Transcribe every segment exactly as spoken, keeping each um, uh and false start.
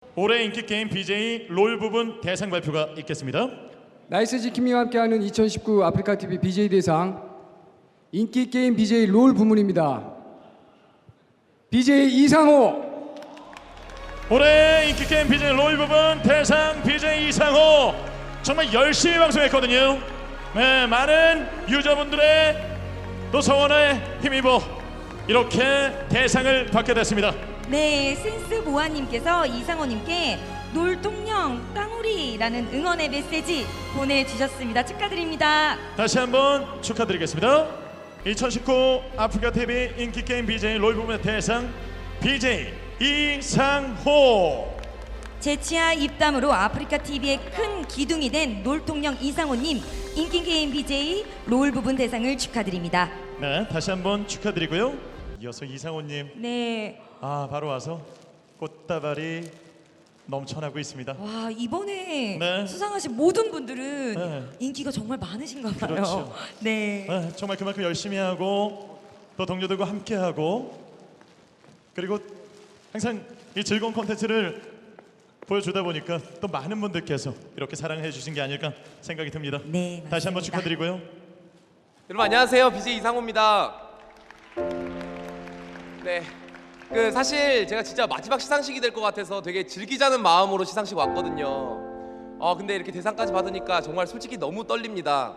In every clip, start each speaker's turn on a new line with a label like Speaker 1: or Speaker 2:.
Speaker 1: 올해 인기게임 비제이 롤 부분 대상 발표가 있겠습니다.
Speaker 2: 나이스 지킴이와 함께하는 이천십구 아프리카티비 비제이 대상 인기게임 비제이 롤 부문입니다. 비제이 이상호.
Speaker 1: 올해 인기게임 비제이 롤 부분 대상 비제이 이상호 정말 열심히 방송했거든요. 네, 많은 유저분들의 또 성원에 힘입어 이렇게 대상을 받게 됐습니다.
Speaker 3: 네, 센스 보아님께서 이상호님께 놀통령 깡우리라는 응원의 메시지 보내주셨습니다. 축하드립니다.
Speaker 1: 다시 한번 축하드리겠습니다. 이천십구 아프리카티비 인기게임 비제이 롤 부분의 대상 비제이 이상호.
Speaker 3: 재치와 입담으로 아프리카티비의 큰 기둥이 된 놀통령 이상호님 인기게임 비제이 롤 부분 대상을 축하드립니다.
Speaker 1: 네, 다시 한번 축하드리고요. 이어서 이상호님.
Speaker 3: 네.
Speaker 1: 아, 바로 와서 꽃다발이 넘쳐나고 있습니다.
Speaker 3: 와, 이번에
Speaker 1: 네.
Speaker 3: 수상하신 모든 분들은
Speaker 1: 네.
Speaker 3: 인기가 정말 많으신가 봐요.
Speaker 1: 그렇죠.
Speaker 3: 네.
Speaker 1: 네, 정말 그만큼 열심히 하고 또 동료들과 함께하고 그리고 항상 이 즐거운 콘텐츠를 보여주다 보니까 또 많은 분들께서 이렇게 사랑해 주신 게 아닐까 생각이 듭니다.
Speaker 3: 네,
Speaker 1: 다시 한번
Speaker 3: 맞습니다.
Speaker 1: 축하드리고요.
Speaker 4: 여러분 안녕하세요. 비제이 이상호입니다. 네, 그 사실 제가 진짜 마지막 시상식이 될 것 같아서 되게 즐기자는 마음으로 시상식 왔거든요. 어 근데 이렇게 대상까지 받으니까 정말 솔직히 너무 떨립니다.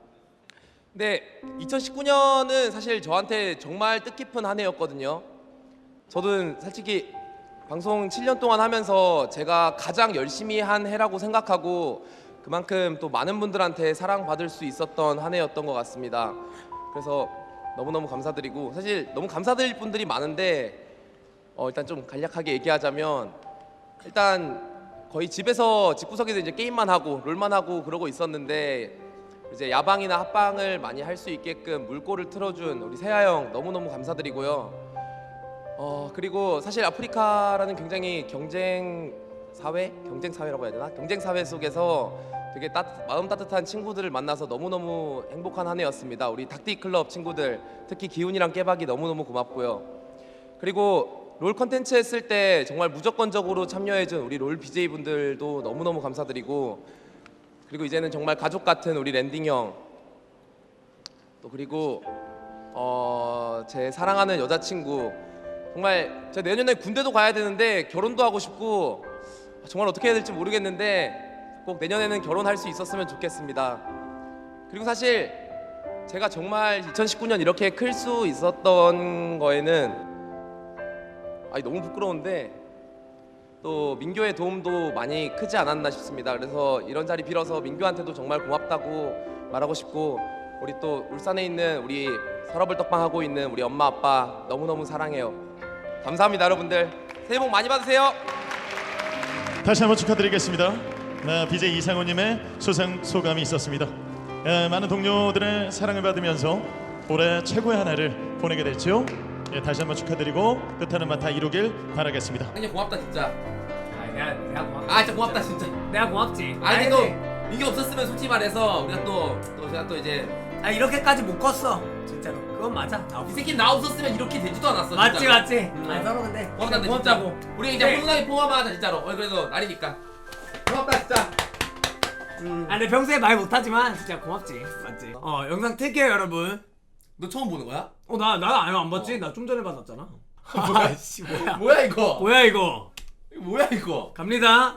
Speaker 4: 근데 이천십구 년은 사실 저한테 정말 뜻깊은 한 해였거든요. 저는 솔직히 방송 칠 년 동안 하면서 제가 가장 열심히 한 해라고 생각하고 그만큼 또 많은 분들한테 사랑받을 수 있었던 한 해였던 것 같습니다. 그래서 너무너무 감사드리고 사실 너무 감사드릴 분들이 많은데 어 일단 좀 간략하게 얘기하자면 일단 거의 집에서 집구석에서 이제 게임만 하고 롤만 하고 그러고 있었는데 이제 야방이나 합방을 많이 할 수 있게끔 물꼬를 틀어준 우리 세아 형 너무너무 감사드리고요. 어 그리고 사실 아프리카라는 굉장히 경쟁 사회? 경쟁 사회라고 해야 되나? 경쟁 사회 속에서 되게 따, 마음 따뜻한 친구들을 만나서 너무너무 행복한 한 해였습니다. 우리 닭띠 클럽 친구들 특히 기훈이랑 깨박이 너무너무 고맙고요. 그리고 롤 컨텐츠 했을 때 정말 무조건적으로 참여해준 우리 롤 비제이 분들도 너무너무 감사드리고 그리고 이제는 정말 가족 같은 우리 랜딩 형 또 그리고 어, 제 사랑하는 여자친구 정말 제가 내년에 군대도 가야 되는데 결혼도 하고 싶고 정말 어떻게 해야 될지 모르겠는데 꼭 내년에는 결혼할 수 있었으면 좋겠습니다. 그리고 사실 제가 정말 이천십구 년 이렇게 클 수 있었던 거에는 아니 너무 부끄러운데 또 민규의 도움도 많이 크지 않았나 싶습니다. 그래서 이런 자리 빌어서 민규한테도 정말 고맙다고 말하고 싶고 우리 또 울산에 있는 우리 서러블 떡방 하고 있는 우리 엄마 아빠 너무너무 사랑해요. 감사합니다 여러분들. 새해 복 많이 받으세요.
Speaker 1: 다시 한번 축하드리겠습니다. 네, 비제이 이상호님의 수상 소감이 있었습니다. 예, 많은 동료들의 사랑을 받으면서 올해 최고의 한 해를 보내게 됐죠. 예, 다시 한번 축하드리고 뜻하는 바 다 이루길 바라겠습니다.
Speaker 4: 형님 고맙다 진짜.
Speaker 5: 아, 내가 내가 고맙.
Speaker 4: 아 진짜 고맙다 진짜.
Speaker 5: 내가 고맙지.
Speaker 4: 아니
Speaker 5: 아니,
Speaker 4: 또 이게 없었으면 솔직히 말해서 우리가 또 또 제가 또 이제
Speaker 5: 아 이렇게까지 못 컸어. 진짜로. 그건 맞아. 나
Speaker 4: 이 새끼 나 없었으면 이렇게 되지도 않았어.
Speaker 5: 맞지
Speaker 4: 진짜로.
Speaker 5: 맞지.
Speaker 4: 음.
Speaker 5: 아 서로 근데
Speaker 4: 고맙다
Speaker 5: 고맙다고.
Speaker 4: 진짜. 우리 이제
Speaker 5: 네.
Speaker 4: 훈훈하게 포함하자 진짜로. 어 그래도 날이니까. 고맙다 진짜.
Speaker 5: 음. 아 근데 평소에 말 못하지만 진짜 고맙지. 맞지. 어 영상 틀게요 여러분.
Speaker 4: 너 처음 보는 거야?
Speaker 5: 어나 나 아예 안 봤지. 나 좀 전에 받았잖아.
Speaker 4: 뭐야?
Speaker 5: 씨 뭐야?
Speaker 4: 뭐야 이거?
Speaker 5: 뭐야 이거?
Speaker 4: 이거 뭐야 이거?
Speaker 5: 갑니다.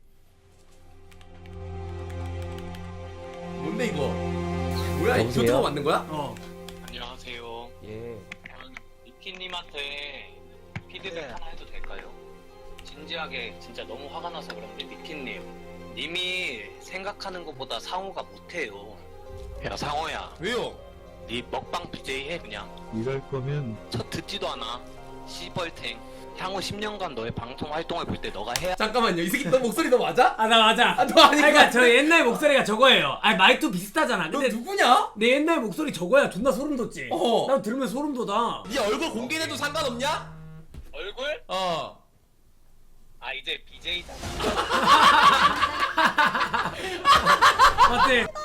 Speaker 4: 뭔데 이거? 뭐야 이거? 유튜브 만든 거야?
Speaker 5: 어.
Speaker 6: 안녕하세요.
Speaker 7: 예.
Speaker 6: 니키님한테 피드백 하나 해도 될까요? 진지하게 진짜 너무 화가 나서 그런데 니키님 님이 생각하는 것보다 상호가 못해요. 야 상호야
Speaker 4: 왜요?
Speaker 6: 니 먹방 비제이 해 그냥.
Speaker 7: 이럴 거면
Speaker 6: 저 듣지도 않아. 시벌탱. 향후 십 년간 너의 방송 활동을 볼 때 너가 해야.
Speaker 4: 잠깐만요. 이 새끼 너 목소리 너 맞아?
Speaker 5: 아 나 맞아.
Speaker 4: 아, 너 아니야?
Speaker 5: 그러니까 저 옛날 목소리가 저거예요. 아 말투 비슷하잖아.
Speaker 4: 너
Speaker 5: 근데
Speaker 4: 누구냐?
Speaker 5: 내 옛날 목소리 저거야. 존나 소름 돋지.
Speaker 4: 어.
Speaker 5: 나 들으면 소름 돋아.
Speaker 4: 네 얼굴 공개해도 상관없냐?
Speaker 6: 얼굴?
Speaker 4: 어.
Speaker 6: 아 이제 비제이잖아.
Speaker 5: 맞지?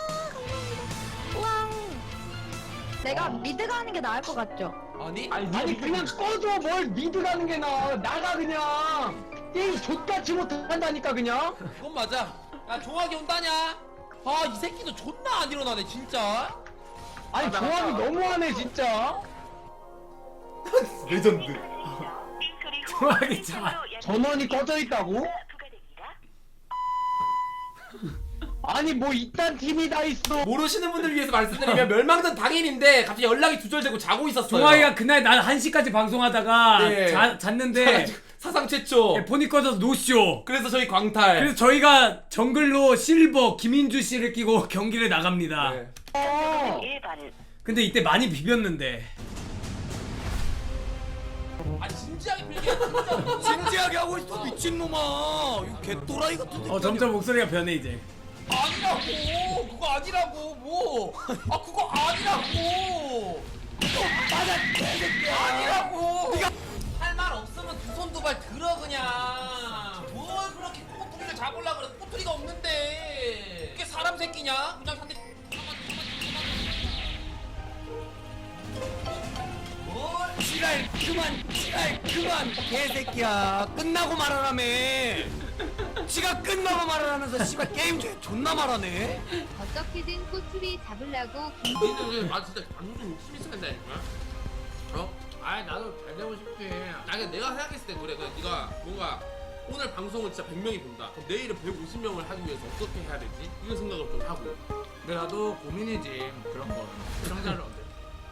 Speaker 8: 내가 미드 가는 게 나을 것 같죠?
Speaker 4: 아니?
Speaker 9: 아니, 아니 그냥 꺼줘. 뭘 미드 가는 게 나아. 나가 그냥.
Speaker 7: 게임 족같이 못한다니까 그냥.
Speaker 4: 그건 맞아. 야 종학이 온다냐? 아 이 새끼도 존나 안 일어나네 진짜.
Speaker 7: 아니 조합이 너무하네 진짜.
Speaker 4: 레전드.
Speaker 5: 좋아하기 참.
Speaker 7: 전원이 꺼져 있다고? 아니 뭐 이딴 팀이 다 있어.
Speaker 4: 모르시는 분들 위해서 말씀드리면 멸망전 당일인데 갑자기 연락이 두절되고 자고 있었어요.
Speaker 5: 종아이가 그날 난 한 시까지 방송하다가
Speaker 4: 네.
Speaker 5: 자, 잤는데
Speaker 4: 사상 최초.
Speaker 5: 네, 폰이 꺼져서 노쇼.
Speaker 4: 그래서 저희 광탈.
Speaker 5: 그래서 저희가 정글로 실버 김인주 씨를 끼고 경기를 나갑니다.
Speaker 4: 네.
Speaker 7: 어.
Speaker 5: 근데 이때 많이 비볐는데.
Speaker 4: 아 진지하게 빌게 진짜.
Speaker 5: 진지하게 하고 있어 미친놈아. 이거 개또라이 같은데. 어 점점 목소리가 변해 이제.
Speaker 4: 아니라고 그거 아니라고 뭐. 아 그거 아니라고. 그거 맞아 개새끼야. 아니라고. 네가 할 말 없으면 두 손 두 발 들어 그냥. 뭘 그렇게 꼬투리를 잡으려 그래. 꼬투리가 없는데. 그게 사람 새끼냐? 그냥 상대. 뭘?
Speaker 5: 지랄 그만 지랄 그만 개새끼야. 끝나고 말하라며. 지가 끝나고 말하라면서 씨발 게임 중에 존나 말하네.
Speaker 8: 어떻게든 꼬투리 잡으려고
Speaker 4: 니는 아 진짜 방송 좀 욕심 있으면다니까. 어? 아 나도 잘 되고 싶지. 아 근데 내가 생각했을 때 그래. 그냥 네가 뭔가 오늘 방송을 진짜 백 명이 본다. 그럼 내일은 백오십 명을 하기 위해서 어떻게 해야 되지? 이런 생각을 좀 하고.
Speaker 5: 근데 나도 고민이지 그런 거. 시청자를 언제?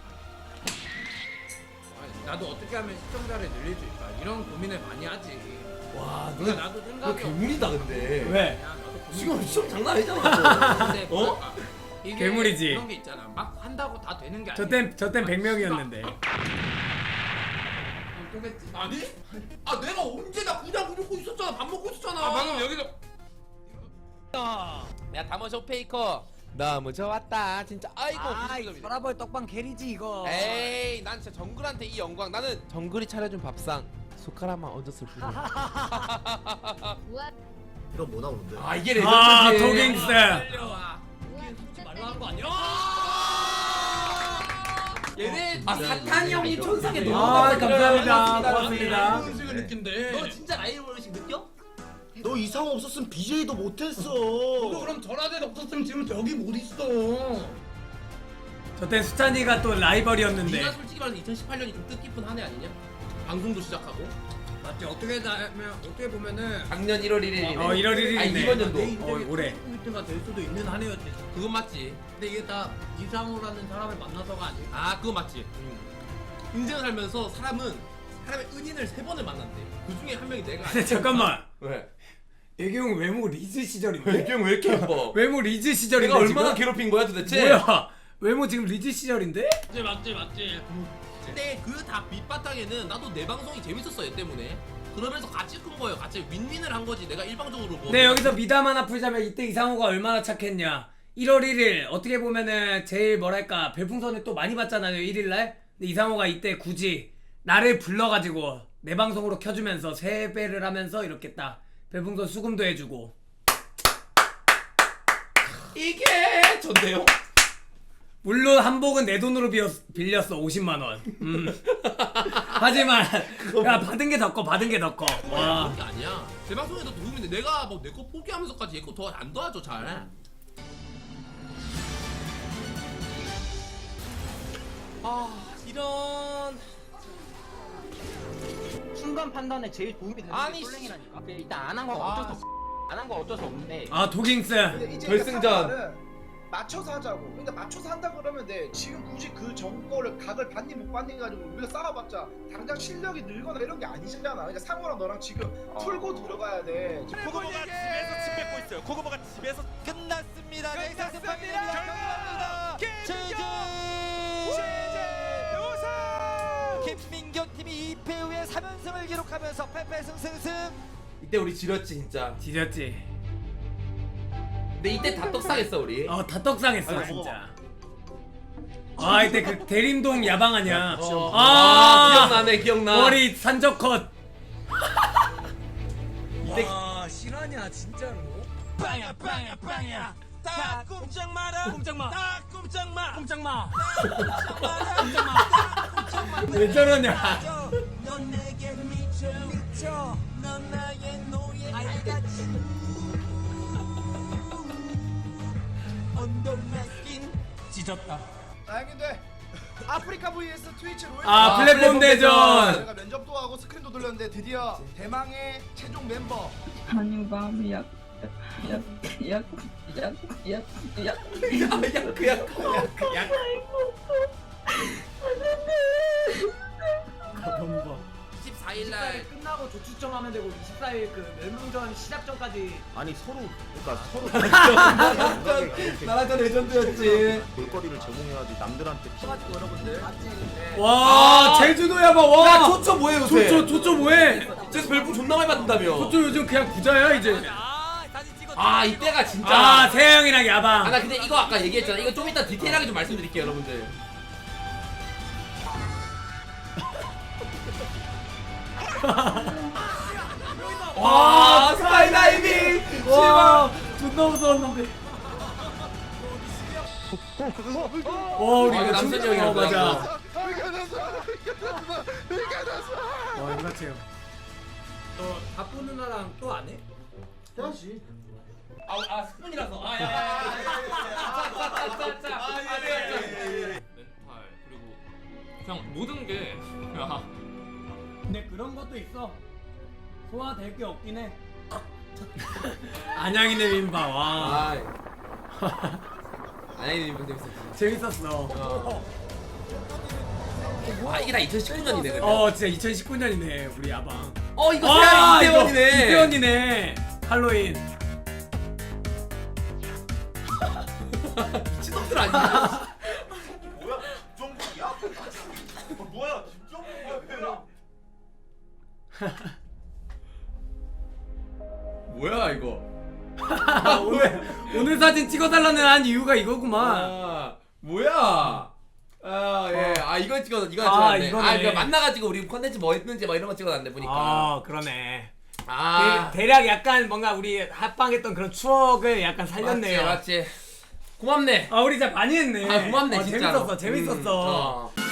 Speaker 5: 아니, 나도 어떻게 하면 시청자를 늘릴 수 있까 이런 고민을 많이 하지. 와, 누가 나도 생각이
Speaker 4: 괴물이다 근데.
Speaker 5: 왜?
Speaker 4: 야, 나도 지금 시험 장난 아니잖아.
Speaker 5: 근데
Speaker 4: 어?
Speaker 5: 이게 괴물이지.
Speaker 9: 그런 게 있잖아. 막 한다고 다 되는 게 아니야.
Speaker 5: 저땐 저땐 백 명이었는데.
Speaker 4: 아니? 아 내가 언제 나 그냥 그러고 있었잖아. 밥 먹고 있었잖아.
Speaker 9: 아, 방금 여기서
Speaker 4: 야 다머쇼 페이커 너무 좋았다 진짜. 아이고
Speaker 5: 서라벌 떡방 캐리지 이거.
Speaker 4: 에이 난 진짜 정글한테 이 영광. 나는 정글이 차려준 밥상 숟가락만 얹었을 뿐.
Speaker 8: 우와
Speaker 7: 이건 뭐 나오는데?
Speaker 4: 아 이게 레전드지.
Speaker 5: 아 도깅스.
Speaker 8: 우와 진짜
Speaker 9: 말로 하는 거 아니야?
Speaker 4: 얘네
Speaker 9: 아 사탄이 형이 천상에 너무
Speaker 5: 아 감사합니다. 고맙습니다.
Speaker 9: 음식을 느낀대.
Speaker 4: 너 진짜 라이브 의식 느껴?
Speaker 7: 너 이상호 없었으면 비제이도 못했어.
Speaker 9: 너 그럼 전화대 없었으면 지금 여기 못 있어.
Speaker 5: 저땐 수찬이가 또 라이벌이었는데.
Speaker 4: 네가 솔직히 말해서 이천십팔 년이 좀 뜻깊은 한 해 아니냐? 방송도 시작하고
Speaker 9: 맞지? 어떻게 하면 어떻게 보면은
Speaker 4: 작년 일월 일일이네.
Speaker 5: 어 일월 일일이네.
Speaker 4: 아니 이번 연도.
Speaker 5: 어 올해.
Speaker 9: 포인트가 될 수도 있는 한 해였지.
Speaker 4: 그건 맞지.
Speaker 9: 근데 이게 다 이상호라는 사람을 만나서가 아니야.
Speaker 4: 아 그거 맞지. 인생을 살면서 사람은 사람의 은인을 세 번을 만난대. 그 중에 한 명이 내가.
Speaker 5: 근데 잠깐만.
Speaker 4: 왜?
Speaker 5: 애기형 외모 리즈 시절인데.
Speaker 4: 애경 왜 이렇게 예뻐?
Speaker 5: 외모 리즈 시절인데
Speaker 4: 내가 얼마나
Speaker 5: 지금?
Speaker 4: 괴롭힌 거야 도대체?
Speaker 5: 뭐야? 외모 지금 리즈 시절인데?
Speaker 9: 맞지 맞지 맞지.
Speaker 4: 근데 그 다 밑바탕에는 나도 내 방송이 재밌었어 얘 때문에. 그러면서 같이 큰 거예요. 같이 윈윈을 한 거지. 내가 일방적으로 뭐.
Speaker 5: 네 여기서 미담 하나 풀자면 이때 이상호가 얼마나 착했냐. 일월 일일 어떻게 보면은 제일 뭐랄까 별풍선을 또 많이 받잖아요 일일날. 근데 이상호가 이때 굳이 나를 불러가지고 내 방송으로 켜주면서 세배를 하면서 이렇게 딱 별풍선 수금도 해주고.
Speaker 4: 이게 전데요.
Speaker 5: 물론 한복은 내 돈으로 빌렸, 빌렸어 오십만 원. 음. 하지만 야 받은 게 더 커 받은 게 더 커. 와.
Speaker 4: 그런 게 아니야. 제 방송에도 도움인데 내가 뭐 내 거 포기하면서까지 얘 거 더 안 도와줘 잘. 아 이런.
Speaker 7: 순간 판단에 제일 도움이 되는
Speaker 4: 아니,
Speaker 7: 게 솔랭이라니까. 일단 안 한 거
Speaker 4: 아.
Speaker 7: 어쩔 수 없어. 안 한 거 어쩔 수 없는데.
Speaker 5: 아 도깅스.
Speaker 4: 결승전.
Speaker 10: 맞춰서 하자고. 그러니까 맞춰서 한다 그러면 돼. 지금 굳이 그 정보를 각을 받니 못 받니 가지고 우리가 싸워봤자 당장 실력이 늘거나 이런 게 아니잖아. 그러니까 상호랑 너랑 지금 풀고 들어가야 돼.
Speaker 11: 코고모가 집에서 침 뱉고 있어요. 코고모가 집에서 끝났습니다. 넥서스 파입니다. 최재 김민경 팀이 이 패 후에 삼 연승을 기록하면서 패패승승승.
Speaker 4: 이때 우리 지렸지 진짜.
Speaker 5: 지렸지.
Speaker 4: 근데 이때 다 떡상했어 우리.
Speaker 5: 어 다 떡상했어 진짜. 아 이때 그 대림동 야방 아니야.
Speaker 4: 어.
Speaker 5: 아,
Speaker 4: 아 기억나네 기억나.
Speaker 5: 머리 산적 컷.
Speaker 4: 이때
Speaker 5: 아 실화냐 진짜로?
Speaker 11: 빵야 빵야 빵야. 딱 꼼짝 마라. 꼼짝 마. 딱 꼼짝 마. 꼼짝 마.
Speaker 5: 왜 저러냐?
Speaker 11: 넌 내게 미쳐 미쳐. 넌 나의
Speaker 5: 찢었다.
Speaker 10: 아 형님들 아프리카 vs 트위치 롤
Speaker 5: 아, 플랫폼 대전.
Speaker 10: 제가 면접도 하고 스크린도 돌렸는데 드디어 대망의 최종 멤버
Speaker 12: 아니 마음이 약약약약약약
Speaker 4: 이십사일날
Speaker 5: 끝나고 조추첨하면 되고 이십사일 그 멸망전 시작 전까지.
Speaker 7: 아니 서로 그러니까 서로
Speaker 5: 나라전 레전드였지.
Speaker 7: 볼거리를 제공해야지 남들한테
Speaker 10: 가지고 여러분들
Speaker 5: 와 제주도야 봐. 와.
Speaker 4: 야 초초 뭐해 요새?
Speaker 5: 조조 조조 뭐해?
Speaker 4: 저에서 별풍 존나 많이 받는다며.
Speaker 5: 조조 요즘 그냥 부자야 이제.
Speaker 4: 아 이때가 진짜.
Speaker 5: 아 세영이랑 야방.
Speaker 4: 아 나 근데 이거 아까 얘기했잖아. 이거 좀 이따 디테일하게 좀 말씀드릴게요 여러분들.
Speaker 5: 와 스카이다이빙. 와 존나 무서웠는데. 와 우리
Speaker 4: 아,
Speaker 5: 이거
Speaker 4: 남순이
Speaker 5: 춤-
Speaker 4: 형이랑
Speaker 5: 어, 맞아.
Speaker 4: 그거랑
Speaker 5: 와 이거 같아요. 너 바쁜 누나랑 또 안 해?
Speaker 10: 해야지
Speaker 4: 아, 아 스푼이라서. 아, 야, 야, 야, 야, 자, 자, 자, 아, 예, 예, 예.
Speaker 11: 멘탈 그리고 그냥 모든 게 야,
Speaker 5: 근데 그런 것도 있어. 소화될 게 없긴 해. 안양이네 민바 와.
Speaker 4: 아, 아니 이거 재밌었어.
Speaker 5: 재밌었어.
Speaker 4: 아 이게 다 이천십구 년이네. 근데.
Speaker 5: 어 진짜 이천십구 년이네 우리 야방.
Speaker 4: 어 이거
Speaker 5: 아,
Speaker 4: 세아이 이태원이네.
Speaker 5: 이태원이네. 할로윈.
Speaker 4: 미친놈들 아니야?
Speaker 11: 뭐야 김정국이야? 뭐야 김정국이야?
Speaker 4: 뭐야 이거?
Speaker 5: 오늘 오늘 사진 찍어달라는 한 이유가 이거구만.
Speaker 4: 아 뭐야? 아 예. 아 이거 찍어 이거
Speaker 5: 아,
Speaker 4: 찍었네.
Speaker 5: 이거네.
Speaker 4: 아 이거 만나가지고 우리 컨텐츠 뭐 했는지 막 이런 거 찍어놨네 보니까.
Speaker 5: 아 그러네.
Speaker 4: 아
Speaker 5: 대, 대략 약간 뭔가 우리 합방했던 그런 추억을 약간 살렸네요.
Speaker 4: 맞지 맞지. 고맙네.
Speaker 5: 아 우리 진짜 많이 했네.
Speaker 4: 아 고맙네
Speaker 5: 어,
Speaker 4: 진짜로.
Speaker 5: 재밌었어 재밌었어.
Speaker 4: 음, 어.